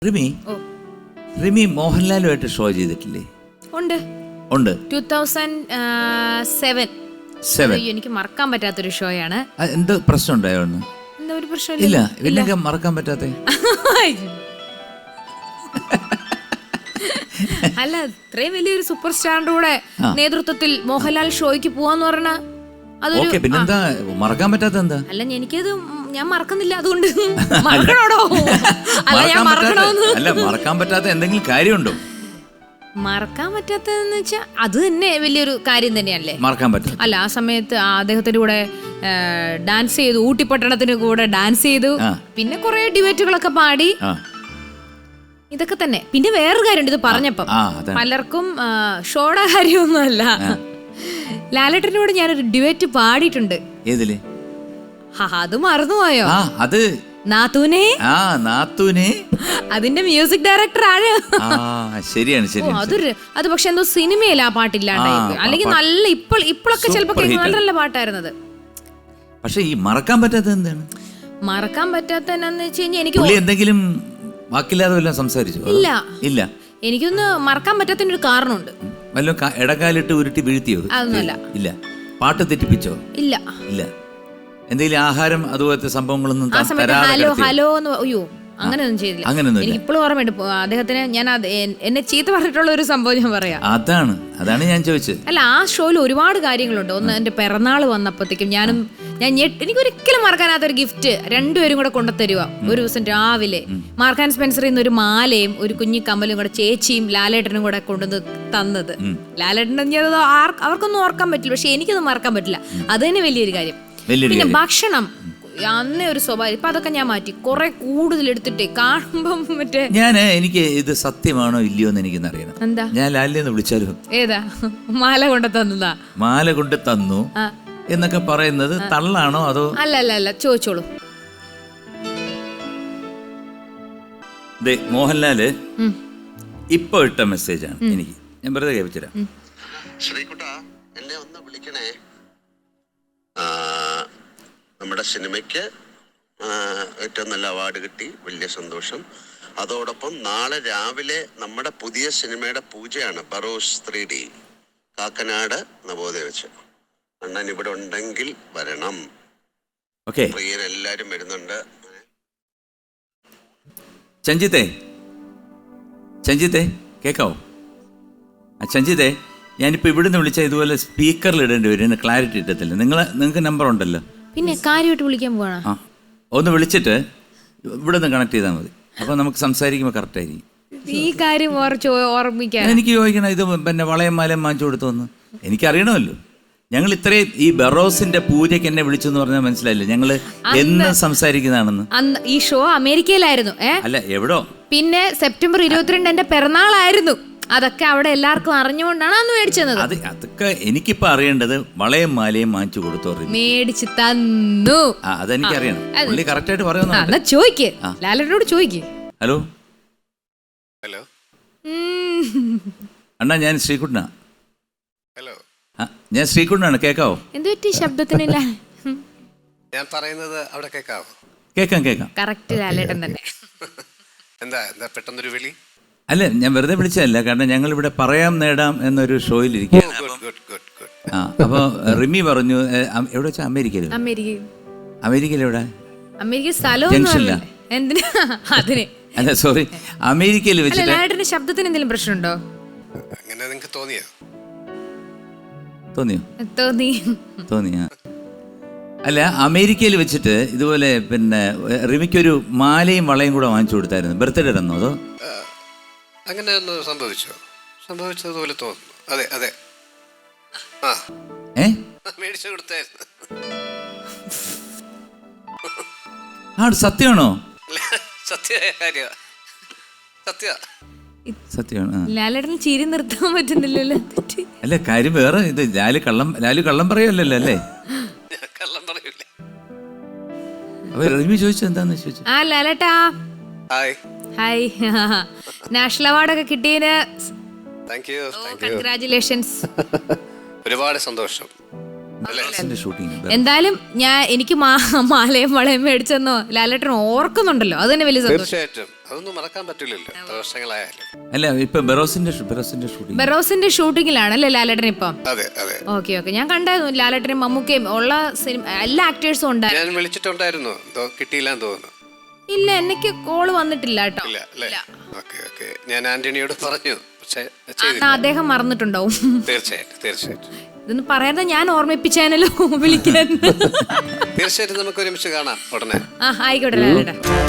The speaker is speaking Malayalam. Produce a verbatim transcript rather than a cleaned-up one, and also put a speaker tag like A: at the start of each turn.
A: റിമി റിമി മോഹൻലാലുമായിട്ട് ഷോ ചെയ്തിട്ടില്ലേ?
B: ഉണ്ട്
A: ഉണ്ട്.
B: ടൂ തൗസൻഡ് സെവൻ
A: സെവൻ
B: എനിക്ക് മറക്കാൻ പറ്റാത്തൊരു ഷോയാണ്.
A: എന്ത് പ്രശ്നം ഉണ്ടായോ?
B: എന്താ ഒരു പ്രശ്നം?
A: ഇല്ല. ഇല്ലെങ്കിൽ മറക്കാൻ പറ്റാത്ത
B: അല്ല, ഇത്രയും വലിയൊരു സൂപ്പർ സ്റ്റാറിന്റെ കൂടെ നേതൃത്വത്തിൽ മോഹൻലാൽ ഷോയ്ക്ക് പോവാന്ന് പറഞ്ഞാ അതൊരു
A: പിന്നെന്താ മറക്കാൻ പറ്റാത്ത എന്താ?
B: അല്ല, എനിക്കത് ഞാൻ മറക്കുന്നില്ല, അതുകൊണ്ട് മറക്കണോടോ? അല്ല, ഞാൻ മറക്കണോന്ന്
A: അല്ല, മറക്കാൻ പറ്റാത്ത എന്തെങ്കിലും കാര്യമുണ്ടോ?
B: മറക്കാൻ പറ്റാത്തതെന്ന് വെച്ചാ അത് തന്നെ വലിയൊരു കാര്യം തന്നെയല്ലേ.
A: മറക്കാൻ പറ്റും.
B: അല്ല, ആ സമയത്ത് അദ്ദേഹത്തിന്റെ കൂടെ ഡാൻസ് ചെയ്തു, ഊട്ടിപ്പട്ടണത്തിന് കൂടെ ഡാൻസ് ചെയ്തു, പിന്നെ കുറെ ഡിബേറ്റുകളൊക്കെ പാടി, ഇതൊക്കെ തന്നെ. പിന്നെ വേറൊരു കാര്യമുണ്ട്, ഇത് പറഞ്ഞപ്പം പലർക്കും ഷോയുടെ കാര്യമൊന്നുമല്ല, ലാലേട്ടന്റെ കൂടെ ഞാനൊരു ഡിബേറ്റ് പാടിയിട്ടുണ്ട്.
A: ഏതില്?
B: അത് മറന്നുപോയോ?
A: അത്
B: നാത്തൂനെ.
A: ആ നാത്തൂനെ
B: അതിന്റെ മ്യൂസിക് ഡയറക്ടർ ആണ്.
A: ശരിയാണ് ശരിയാണ്.
B: അതൊരു അത് പക്ഷെ എന്തോ സിനിമയില്ല ആ പാട്ടില്ലാണ്ടായി, അല്ലെങ്കിൽ നല്ല ഇപ്പോൾ ഇപ്പോഴൊക്കെ ചിലപ്പോ നല്ല നല്ല പാട്ടായിരുന്നത്.
A: പക്ഷെ ഈ മറക്കാൻ പറ്റാത്തത് എന്താണ്?
B: മറക്കാൻ പറ്റാത്ത എന്നാന്ന് വെച്ച് കഴിഞ്ഞാൽ എനിക്ക്
A: എന്തെങ്കിലും വാക്കില്ലാതെ വല്ലതും സംസാരിച്ചു?
B: ഇല്ല
A: ഇല്ല.
B: എനിക്കൊന്ന് മറക്കാൻ പറ്റാത്തതിന് ഒരു കാരണമുണ്ട്.
A: വല്ലോ ഇടക്കാലിട്ട് ഉരുട്ടി വീഴ്ത്തിയോ?
B: അതൊന്നുമല്ല.
A: ഇല്ല. പാട്ട് തെറ്റിപ്പിച്ചോ?
B: ഇല്ല.
A: ഇല്ല. എന്തെങ്കിലും ആഹാരം അതുപോലത്തെ സംഭവങ്ങളൊന്നും
B: ഹലോ ഹലോ എന്ന് അയ്യോ അങ്ങനെയൊന്നും ചെയ്തില്ല. എനിക്ക് ഇപ്പോഴും ഓർമ്മയുണ്ട് അദ്ദേഹത്തിന് ഞാൻ എന്നെ ചീത്ത പറഞ്ഞിട്ടുള്ള ഒരു സംഭവം ഞാൻ പറയാം.
A: അതാണ് അതാണ് ഞാൻ ചോദിച്ചത്.
B: അല്ല, ആ ഷോയിൽ ഒരുപാട് കാര്യങ്ങളുണ്ട്. ഒന്ന്, എന്റെ പിറന്നാൾ വന്നപ്പോഴത്തേക്കും ഞാനും ഞാൻ എനിക്കൊരിക്കലും മറക്കാനാത്തൊരു ഗിഫ്റ്റ് രണ്ടുപേരും കൂടെ കൊണ്ടുതരുക. ഒരു ദിവസം രാവിലെ മാർക്ക് ആൻഡ് സ്പെൻസറിൽ നിന്ന് ഒരു മാലയും ഒരു കുഞ്ഞി കമ്മലും കൂടെ ചേച്ചിയും ലാലേട്ടനും കൂടെ കൊണ്ടുവന്ന് തന്നത്. ലാലേട്ടൻ അവർക്കൊന്നും ഓർക്കാൻ പറ്റില്ല, പക്ഷെ എനിക്കത് മറക്കാൻ പറ്റില്ല. അത് തന്നെ വലിയൊരു കാര്യം. പിന്നെ ഭക്ഷണം അന്നേ ഒരു സ്വഭാവം, ഇപ്പൊ അതൊക്കെ ഞാൻ മാറ്റി, കുറെ കൂടുതൽ എടുത്തിട്ടേ കാണുമ്പം മറ്റേ
A: ഞാൻ എനിക്ക് ഇത് സത്യമാണോ ഇല്ലയോ എന്ന് എനിക്കൊന്ന് അറിയണം.
B: എന്താ?
A: ഞാൻ ലാലിനെ വിളിച്ചാലോ?
B: ഏതാ? മാല കൊണ്ട് തന്നതാ.
A: മാല കൊണ്ട് തന്നു എന്നൊക്കെ പറയുന്നത് തള്ളാണോ അതോ?
B: അല്ല അല്ല അല്ല, ചോദിച്ചോളൂ.
A: മോഹൻലാല് ഇപ്പൊ ഇട്ട മെസ്സേജാണ് എനിക്ക്, ഞാൻ വെറുതെ കേൾപ്പിച്ചുതരാം.
C: ശ്രീകുട്ട, എന്നെ ഒന്ന് വിളിക്കണേ. നമ്മുടെ സിനിമയ്ക്ക് ഏറ്റവും നല്ല അവാർഡ് കിട്ടി, വലിയ സന്തോഷം. അതോടൊപ്പം നാളെ രാവിലെ നമ്മുടെ പുതിയ സിനിമയുടെ പൂജയാണ്, ബറോസ് ത്രീ ഡി, കാക്കനാട് നവോദയ വെച്ച്. അണ്ണൻ ഇവിടെ ഉണ്ടെങ്കിൽ വരണം. പ്രിയരെല്ലാരും വരുന്നുണ്ട്.
A: ചഞ്ചിത്തെ ചഞ്ചിത്തെ കേക്കാവോ? ചഞ്ചിത്തെ, ഞാനിപ്പോൾ ഇവിടുന്ന് വിളിച്ചാൽ ഇതുപോലെ സ്പീക്കറിൽ ഇടേണ്ടി വരും, ക്ലാരിറ്റി കിട്ടത്തില്ല. നിങ്ങൾ നിങ്ങൾക്ക് നമ്പർ ഉണ്ടല്ലോ.
B: പിന്നെ കാര്യമായിട്ട് വിളിക്കാൻ പോവാ.
A: ആ, ഒന്ന് വിളിച്ചിട്ട് ഇവിടെ നിന്ന് കണക്ട് ചെയ്താൽ മതി. അപ്പോൾ നമുക്ക് സംസാരിക്കുമ്പോൾ കറക്റ്റ് ആയിരിക്കും.
B: ഈ കാര്യം ഓർമ്മിക്കാൻ
A: എനിക്ക് ചോദിക്കണം, ഇത് പിന്നെ വളയം മാലയും വാങ്ങിച്ചു കൊടുത്തോന്ന് എനിക്കറിയണമല്ലോ. ഞങ്ങൾ ഇത്രയും ഈ ബറോസിന്റെ പൂജയ്ക്ക് എന്നെ വിളിച്ചു എന്ന് പറഞ്ഞാൽ മനസ്സിലായില്ലേ ഞങ്ങള് എന്ന് സംസാരിക്കുന്നതാണെന്ന്.
B: ഈ ഷോ അമേരിക്കയിലായിരുന്നു.
A: അല്ല, എവിടോ.
B: പിന്നെ സെപ്റ്റംബർ ഇരുപത്തിരണ്ട് എന്റെ പിറന്നാളായിരുന്നു. അതൊക്കെ അവിടെ എല്ലാവർക്കും അറിഞ്ഞുകൊണ്ടാണ് അന്ന് മേടിച്ചത്.
A: അത് അതൊക്കെ എനിക്കിപ്പോ അറിയേണ്ടത് വളയും മാലയും വാങ്ങിച്ചു കൊടുത്തോ?
B: മേടിച്ചു തന്നു.
A: അതെനിക്കറിയണം. പുള്ളി കറക്റ്റ് ആയിട്ട് പറയുന്നു.
B: ചോദിക്ക്, ലാലേട്ടനോട് ചോദിക്ക്.
A: ഹലോ
C: ഹലോ
A: അണ്ണാ, ഞാൻ ശ്രീകുട്ടനാ.
C: ഹലോ,
A: ഞാൻ ശ്രീകുട്ടനാണ്. കേക്കാവോ?
B: എന്ത് പറ്റി ശബ്ദത്തിനില്ല?
C: ഞാൻ പറയുന്നത് അവിടെ കേക്കാവോ?
A: കേക്കാം കേക്കാം.
B: കറക്റ്റ് ലാലേട്ടൻ തന്നെ.
C: എന്താ എന്താ പെട്ടെന്നൊരു വിളി?
A: അല്ല, ഞാൻ വെറുതെ വിളിച്ചതല്ല, കാരണം ഞങ്ങൾ ഇവിടെ പറയാം നേടാം എന്നൊരു ഷോയിലിരിക്കുകയാണ്. ആ, അപ്പോൾ റിമി പറഞ്ഞു എവിടെ വെച്ചാൽ അമേരിക്കയിൽ. അമേരിക്കയിൽ എവിടെ?
B: അമേരിക്ക സ്ഥലമൊന്നുമില്ല. എന്തിനാ അതിന്?
A: അല്ല, സോറി, അമേരിക്കയിൽ വെച്ചിട്ട്.
B: ലാലേട്ടന്റെ ശബ്ദത്തിന് എന്തെങ്കിലും പ്രശ്നമുണ്ടോ?
C: അങ്ങനെ നിങ്ങൾക്ക് തോന്നിയോ?
A: തോന്നിയോ?
B: തോന്നി
A: തോന്നിയാ അല്ല, അമേരിക്കയിൽ വെച്ചിട്ട് ഇതുപോലെ പിന്നെ റിമിക്കൊരു മാലയും വളയും കൂടെ വാങ്ങിച്ചു കൊടുത്തായിരുന്നു. ബർത്ത്ഡേ തന്നോ അതോ?
C: അങ്ങനെ ഒന്ന് സംഭവിച്ചോ? സംഭവിച്ചതുപോലെ തോന്നുന്നു. അതെ അതെ. ആ
A: ഏ
C: മേടിച്ചു കൊടുത്തായിരുന്നു.
A: ആ, സത്യമാണോ?
C: സത്യമായ കാര്യ സത്യ
A: സത്യമാണ്.
B: ലാലേട്ടന് ചിരി നിർത്താൻ പറ്റുന്നില്ലല്ലോ.
A: അല്ല, കാര്യം വേറെ. ഇത് ലാല് കള്ളം ലാലു കള്ളം പറയുമല്ലോ അല്ലേ?
C: കള്ളം പറയൂലേ.
A: അപ്പൊ റിമി ചോദിച്ചു എന്താന്ന് ചോദിച്ചു.
B: ആ ലാലേട്ടാ,
C: ഹായ്
B: ഹായ്. നാഷണൽ അവാർഡൊക്കെ കിട്ടിയതിന്
C: താങ്ക് യു.
B: കൺഗ്രാറ്റുലേഷൻസ്.
C: ഒരുപാട് സന്തോഷം.
A: ബറോസിന്റെ ഷൂട്ടിംഗ്
B: എന്തായാലും ഞാൻ എനിക്ക് മാ- മാലയും വളയും മേടിച്ചെന്നോ ലാലേട്ടൻ ഓർക്കുന്നുണ്ടല്ലോ അത് തന്നെ വലിയ സന്തോഷം.
D: തീർച്ചയായിട്ടും അതൊന്നും മറക്കാൻ പറ്റില്ലല്ലോ എത്ര വർഷങ്ങളായാലും.
A: അല്ല ഇപ്പൊ ബറോസിന്റെ ഷൂ- ബറോസിന്റെ ഷൂട്ടിംഗ്
B: ബെറോസിന്റെ ഷൂട്ടിങ്ങിലാണ് അല്ലേ ലാലേട്ടൻ ഇപ്പം?
D: അതെ അതെ
B: ഓക്കെ ഓക്കെ ഞാൻ കണ്ടായിരുന്നു ലാലേട്ടനും മമ്മൂക്കയും ഉള്ള സിനിമ എല്ലാ ആക്ടേഴ്സും ഉണ്ടായിരുന്നു.
D: ഞാൻ വിളിച്ചിട്ടുണ്ടായിരുന്നു, എന്തോ കിട്ടിയില്ലാന്ന് തോന്നുന്നു.
B: ഇല്ല എനിക്ക് കോള് വന്നിട്ടില്ല കേട്ടോ.
D: ഇല്ല അല്ലേ? ഓക്കെ ഓക്കെ ഞാൻ ആന്റണിയോട് പറഞ്ഞു, പക്ഷെ
B: എന്നാ
D: ചെയ്തില്ല.
B: അദ്ദേഹം മറന്നിട്ടുണ്ടാവും.
D: തീർച്ചയായിട്ടും തീർച്ചയായിട്ടും
B: ഇതൊന്നും പറയാതെ ഞാൻ ഓർമ്മിപ്പിച്ചേനല്ലോ വിളിക്കാൻ.
D: തീർച്ചയായിട്ടും നമുക്ക് ഒരുമിച്ച് കാണാം ഉടനെ.
B: ആ ആയിക്കോട്ടെ ലാലേട്ടാ.